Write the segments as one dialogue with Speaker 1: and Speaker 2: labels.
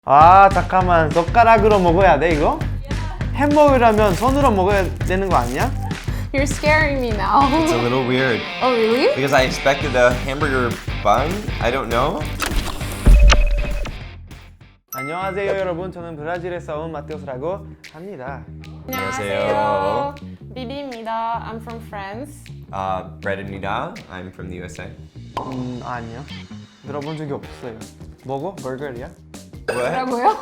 Speaker 1: 아 잠깐만 젓가락으로 먹어야 돼 이거? 햄버거라면 손으로 먹어야 되는 거 아니야?
Speaker 2: You're scaring me now.
Speaker 3: It's a little weird
Speaker 2: Oh, really?
Speaker 3: because I expected a hamburger bun. I don't know.
Speaker 1: 안녕하세요 여러분, 저는 브라질에서 온 마테오스라고 합니다.
Speaker 3: 안녕하세요.
Speaker 2: 비비입니다. I'm from France.
Speaker 3: Bread입니다. I'm from the USA.
Speaker 1: 아니요, 들어본 적이 없어요. 뭐고? 버거야?
Speaker 3: What?
Speaker 2: 뭐라고요?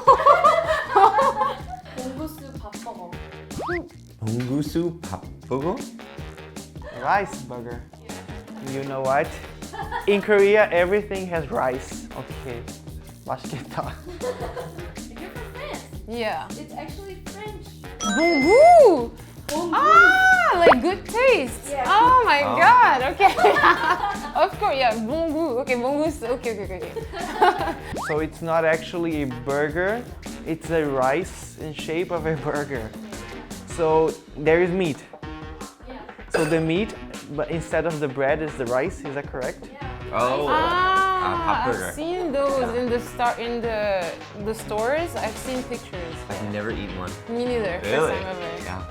Speaker 4: 봉구스 밥버거.
Speaker 3: 봉구수 밥버거?
Speaker 1: Rice burger. You know what? In Korea everything has rice. Okay, 맛있겠다.
Speaker 4: You're from France.
Speaker 2: Yeah.
Speaker 4: It's actually French.
Speaker 2: Bongo!
Speaker 4: 봉구.
Speaker 2: Ah, like good taste.
Speaker 4: Yeah.
Speaker 2: Oh my
Speaker 3: Oh.
Speaker 2: god. Okay. Of course, yeah. Bongo. Okay, bongo. Okay.
Speaker 1: So it's not actually a burger, it's a rice in shape of a burger. So there is meat.
Speaker 4: Yeah.
Speaker 1: So the meat, but instead of the bread is the rice, is that correct?
Speaker 3: Oh,
Speaker 2: Ah,
Speaker 3: burger.
Speaker 2: I've seen those in the stores. I've seen pictures.
Speaker 3: I've never eaten one.
Speaker 2: Me neither.
Speaker 3: Really?
Speaker 2: First time ever.
Speaker 3: Yeah.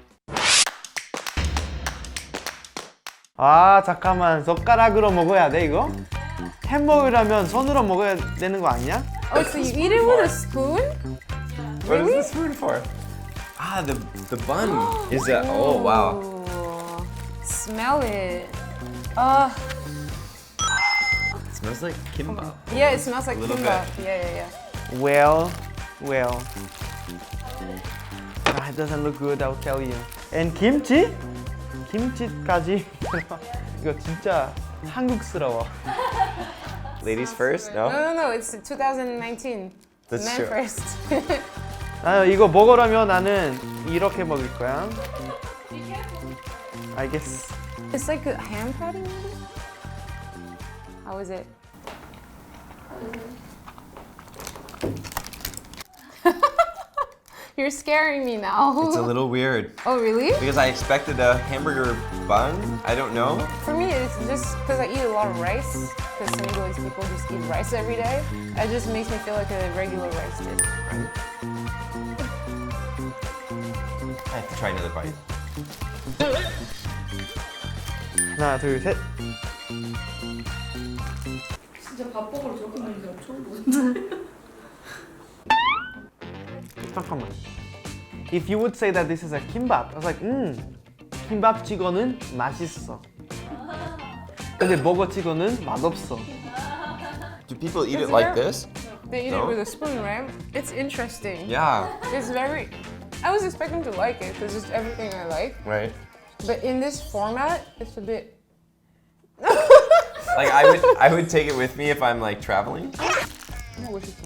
Speaker 1: 아 잠깐만 젓가락으로 먹어야 돼 이거? 햄버거라면 손으로 먹어야 되는 거 아니야?
Speaker 2: Oh, so you eat it with a spoon?
Speaker 3: What is this food for? The bun is a. Oh wow.
Speaker 2: Ooh. Smell it.
Speaker 3: It smells like kimbap.
Speaker 2: Yeah, it smells like
Speaker 3: A little
Speaker 2: kimbap.
Speaker 3: bit.
Speaker 2: Yeah.
Speaker 1: Well. It doesn't look good, I'll tell you. And kimchi? 김치까지 이거 진짜 한국스러워.
Speaker 3: Ladies first?
Speaker 2: No,
Speaker 3: No?
Speaker 2: it's 2019.
Speaker 3: That's
Speaker 2: Men
Speaker 3: true.
Speaker 2: first.
Speaker 1: 나는 이거 먹으려면 나는 이렇게 먹을 거야.
Speaker 4: Be careful.
Speaker 1: I guess.
Speaker 2: It's like a ham patty, maybe? How is it? You're scaring me now.
Speaker 3: It's a little weird
Speaker 2: Oh, really?
Speaker 3: because I expected a hamburger bun. I don't know.
Speaker 2: For me, it's just because I eat a lot of rice. Because Senegalese people just eat rice every day. It just makes me feel like a regular rice dish.
Speaker 3: I have to try another bite.
Speaker 1: 하나, 둘, 셋.
Speaker 4: 진짜 밥버거를 저렇게 먹는 게 처음 보는데.
Speaker 1: 잠깐만. If you would say that this is a kimbap, I was like, 김밥 찍어는 맛있어. 근데 버거 찍어는 맛없어.
Speaker 3: Do people eat
Speaker 2: Is
Speaker 3: it like
Speaker 2: there-
Speaker 3: this?
Speaker 2: They eat
Speaker 3: No?
Speaker 2: it with a spoon, right? It's interesting.
Speaker 3: Yeah.
Speaker 2: It's very. I was expecting to like it because it's everything I like.
Speaker 3: Right.
Speaker 2: But in this format, it's a bit.
Speaker 3: Like I would take it with me if I'm like traveling.
Speaker 2: 맛있어.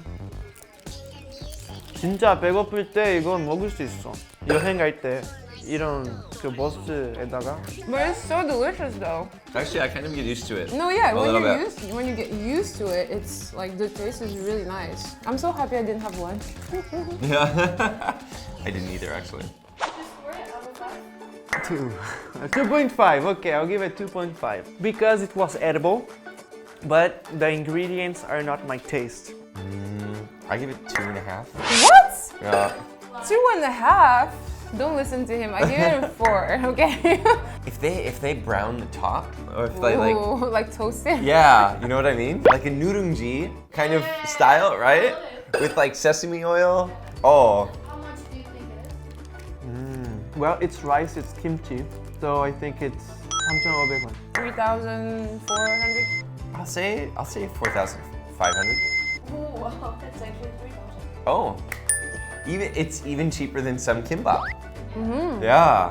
Speaker 1: 진짜 배고플 때 이건 먹을 수 있어. 여행 갈 때 이런 그 버스에다가.
Speaker 2: But it's so delicious, though.
Speaker 3: Actually, I kind of get used to it.
Speaker 2: No, yeah,
Speaker 3: A
Speaker 2: when
Speaker 3: little
Speaker 2: you're
Speaker 3: bit.
Speaker 2: when you get used to it, it's like the taste is really nice. I'm so happy I didn't have lunch.
Speaker 3: Yeah. I didn't either actually.
Speaker 4: Score it out of 5.
Speaker 1: 2.5. Okay, I'll give it 2.5 because it was edible, but the ingredients are not my taste.
Speaker 3: I give it 2.5.
Speaker 2: What?
Speaker 3: Yeah.
Speaker 2: 2.5? Don't listen to him. I give it a 4. Okay.
Speaker 3: If they brown the top, or if they like,
Speaker 2: Ooh, like toasted.
Speaker 3: yeah, you know what I mean? Like a nurungji kind of style, right? With like sesame oil. Oh,
Speaker 4: How much do you think it is?
Speaker 1: Well, it's rice, it's kimchi, so I think it's 3,500원.
Speaker 2: 3,400.
Speaker 3: I'll say 4,500.
Speaker 4: Oh wow, that's actually 3,000.
Speaker 3: Oh, it's even cheaper than some kimbap. Yeah.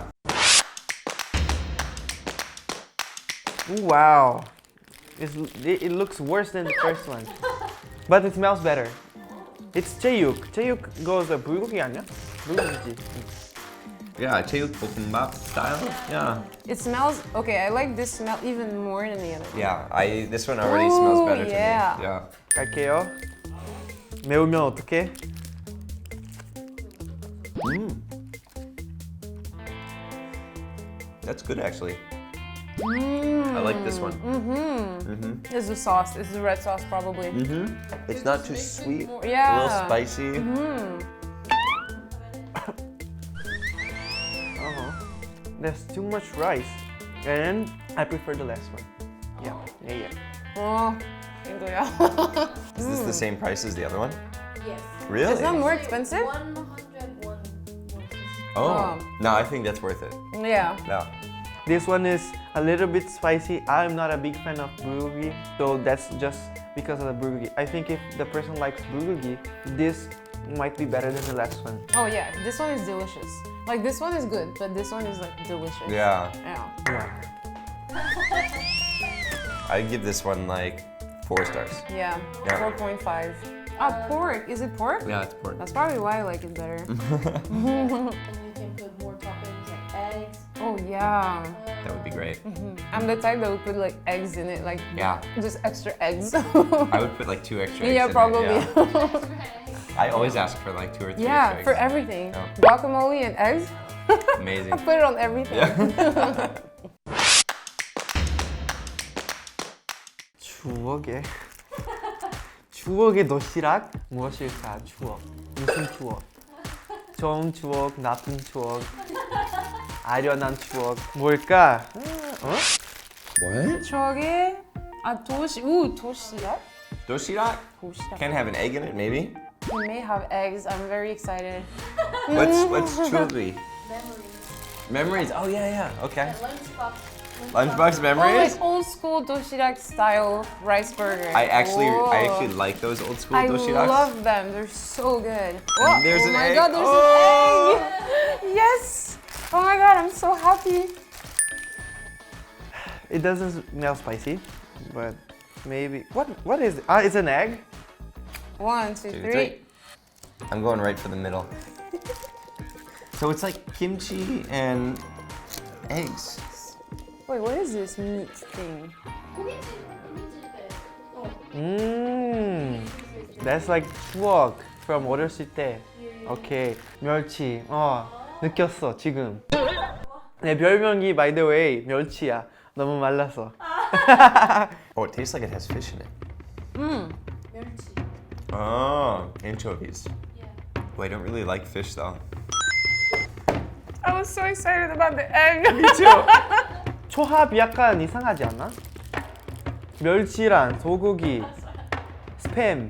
Speaker 1: Ooh, wow. It looks worse than the first one. But it smells better. It's 제육. 제육 goes 불고기 아니야? 불고기지.
Speaker 3: Yeah, cheuk kimbap style. Yeah.
Speaker 2: It smells okay. I like this smell even more than the other one.
Speaker 3: Yeah, this one already smells
Speaker 2: Ooh,
Speaker 3: better to
Speaker 2: yeah.
Speaker 3: me. Yeah.
Speaker 1: 갈게요. 매우면 어떡해?
Speaker 3: That's good actually. I like this one.
Speaker 2: It's the sauce. It's the red sauce probably.
Speaker 3: It's not too sweet.
Speaker 2: Yeah.
Speaker 3: A little spicy.
Speaker 1: There's too much rice, and I prefer the last one. Yeah.
Speaker 2: Oh, 인도야.
Speaker 3: Is this the same price as the other one?
Speaker 4: Yes.
Speaker 3: Really?
Speaker 2: It's not more expensive?
Speaker 4: 101.
Speaker 3: Oh. No, I think that's worth it.
Speaker 2: Yeah.
Speaker 3: No.
Speaker 1: This one is a little bit spicy. I'm not a big fan of bulgogi, so that's just because of the bulgogi. I think if the person likes bulgogi, this might be better than the last one.
Speaker 2: Oh yeah, this one is delicious. Like this one is good, but this one is like delicious.
Speaker 3: Yeah.
Speaker 2: Yeah.
Speaker 3: I'd give this one like 4 stars.
Speaker 2: Yeah.
Speaker 3: Yeah.
Speaker 2: 4.5. Ah, pork. Is it pork?
Speaker 3: Yeah, it's pork.
Speaker 2: That's probably why I like it better.
Speaker 4: And you can put more toppings like eggs.
Speaker 2: Oh yeah.
Speaker 3: That would be great.
Speaker 2: I'm the type that would put like eggs in it, like
Speaker 3: Yeah.
Speaker 2: just extra eggs.
Speaker 3: I would put like 2 extra eggs
Speaker 2: Yeah,
Speaker 3: in it,
Speaker 2: probably.
Speaker 3: yeah. I always ask for like 2 or 3
Speaker 2: Yeah,
Speaker 3: extra
Speaker 2: for
Speaker 3: eggs.
Speaker 2: everything.
Speaker 3: Yeah.
Speaker 2: Guacamole and eggs.
Speaker 3: Amazing.
Speaker 2: I put it on everything.
Speaker 3: Yeah.
Speaker 1: 추억의 도시락 무엇일까? 추억. 무슨 추억? 좋은 추억, 나쁜 추억, 아련한 추억. 뭘까?
Speaker 3: What?
Speaker 2: 추억의 도시락?
Speaker 3: Doshirak?
Speaker 2: 도시락.
Speaker 3: Can have an egg in it, maybe?
Speaker 2: It may have eggs. I'm very excited.
Speaker 3: What's chulbi?
Speaker 4: Memories.
Speaker 3: Memories. Oh yeah. Okay.
Speaker 4: Lunchbox.
Speaker 3: Lunchbox
Speaker 2: Oh,
Speaker 3: memories.
Speaker 2: like old school do시락 style rice burger.
Speaker 3: I actually
Speaker 2: Whoa.
Speaker 3: like those old school
Speaker 2: I
Speaker 3: doshiraks.
Speaker 2: love them. They're so good.
Speaker 3: And there's
Speaker 2: oh
Speaker 3: an
Speaker 2: my
Speaker 3: egg.
Speaker 2: god, there's
Speaker 3: Oh.
Speaker 2: an egg. Yes. Oh my god, I'm so happy.
Speaker 1: It doesn't smell spicy, but maybe. What is it? It's an egg?
Speaker 2: 1, 2,
Speaker 3: 2,
Speaker 2: 3.
Speaker 3: 3. I'm going right for the middle. So it's like kimchi and eggs.
Speaker 2: Wait, what is this meat thing?
Speaker 1: That's like 추억 from 어렸을 때. Okay, 멸치. 느꼈어 지금. 내 별명이 by the way 멸치야. 너무 말라서.
Speaker 3: Oh, it tastes like it has fish in it.
Speaker 4: 멸치.
Speaker 3: Oh, anchovies.
Speaker 4: Yeah.
Speaker 3: Well, I don't really like fish though.
Speaker 2: I was so excited about the egg.
Speaker 1: 초합이 약간 이상하지 않아? 멸치랑 소고기, 스팸.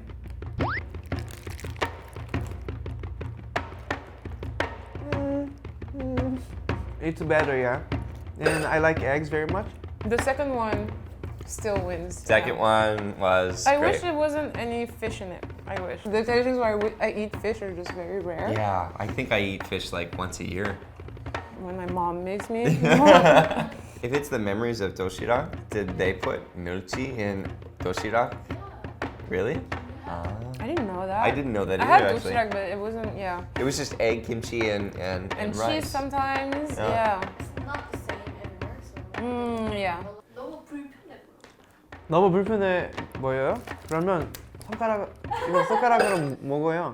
Speaker 1: It's better, yeah. And I like eggs very much.
Speaker 2: The second one still wins.
Speaker 3: Second one was
Speaker 2: I
Speaker 3: great.
Speaker 2: wish there wasn't any fish in it. I wish. The occasions where I eat fish are just very rare.
Speaker 3: Yeah, I think I eat fish like once a year.
Speaker 2: When my mom makes me.
Speaker 3: If it's the memories of doshirak, did they put milchi in doshirak? Really?
Speaker 2: I didn't know that.
Speaker 3: I didn't know that
Speaker 2: I
Speaker 3: either,
Speaker 2: had
Speaker 3: actually.
Speaker 2: do시락, but it wasn't. Yeah.
Speaker 3: It was just egg, kimchi, and
Speaker 2: And
Speaker 3: rice.
Speaker 2: cheese sometimes.
Speaker 3: Yeah.
Speaker 2: Yeah.
Speaker 4: It's not the same anymore. So
Speaker 2: Yeah.
Speaker 4: 너무 불편해.
Speaker 1: 너무 불편해 보여요? 그러면 이거 손가락으로 먹어요.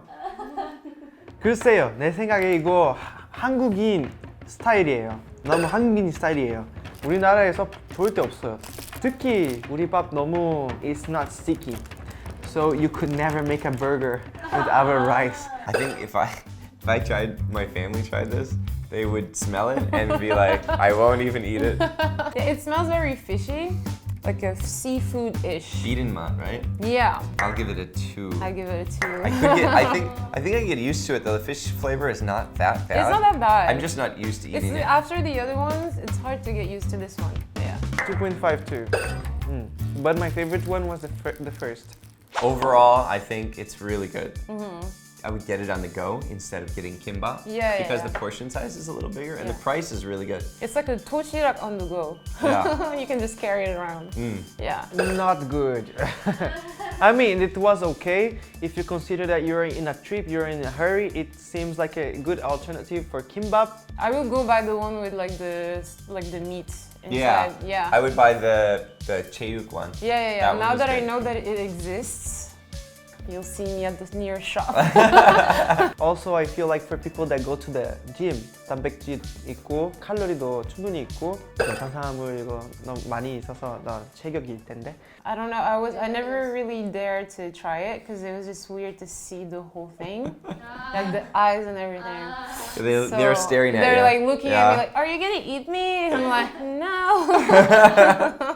Speaker 1: 글쎄요, 내 생각에 이거 한국인 스타일이에요. 너무 한국인 스타일이에요. 우리나라에서 절대 없어요. 특히 우리 밥 너무 it's not sticky. So you could never make a burger with our rice.
Speaker 3: I think if I tried, my family tried this, they would smell it and be like, I won't even eat it.
Speaker 2: Yeah, it smells very fishy, like a seafood-ish.
Speaker 3: Wiedenmann, right?
Speaker 2: Yeah.
Speaker 3: I'll give it a 2.
Speaker 2: I give it a 2.
Speaker 3: I could get. I think I can get used to it though. The fish flavor is not that bad.
Speaker 2: It's not that bad.
Speaker 3: I'm just not used to
Speaker 2: It's
Speaker 3: eating it.
Speaker 2: after the other ones, it's hard to get used to this one. Yeah.
Speaker 1: 2.5 too. But my favorite one was the first.
Speaker 3: Overall, I think it's really good. I would get it on the go instead of getting kimbap.
Speaker 2: Yeah,
Speaker 3: Because
Speaker 2: yeah.
Speaker 3: the portion size is a little bigger and the
Speaker 2: Yeah.
Speaker 3: price is really good.
Speaker 2: It's like a 도시락 on the go.
Speaker 3: Yeah.
Speaker 2: You can just carry it around. Yeah.
Speaker 1: Not good. I mean, it was okay. If you consider that you're in a trip, you're in a hurry, it seems like a good alternative for kimbap.
Speaker 2: I will go buy the one with like the meat
Speaker 3: Yeah.
Speaker 2: inside. Yeah.
Speaker 3: I would buy the cheuk one.
Speaker 2: Yeah.
Speaker 3: That one
Speaker 2: Now
Speaker 3: was
Speaker 2: that I
Speaker 3: good.
Speaker 2: know that it exists, You'll see me at the nearest shop.
Speaker 1: Also, I feel like for people that go to the gym, 단백질 있고 칼로리도 충분히 있고 탄수화물 이거 너무 많이 있어서 너 체격일 텐데.
Speaker 2: I don't know. I never really dared to try it because it was just weird to see the whole thing, like the eyes and everything.
Speaker 3: They're staring at you.
Speaker 2: They're like looking at
Speaker 3: Yeah.
Speaker 2: me like, "Are you gonna eat me?" And I'm like, "No."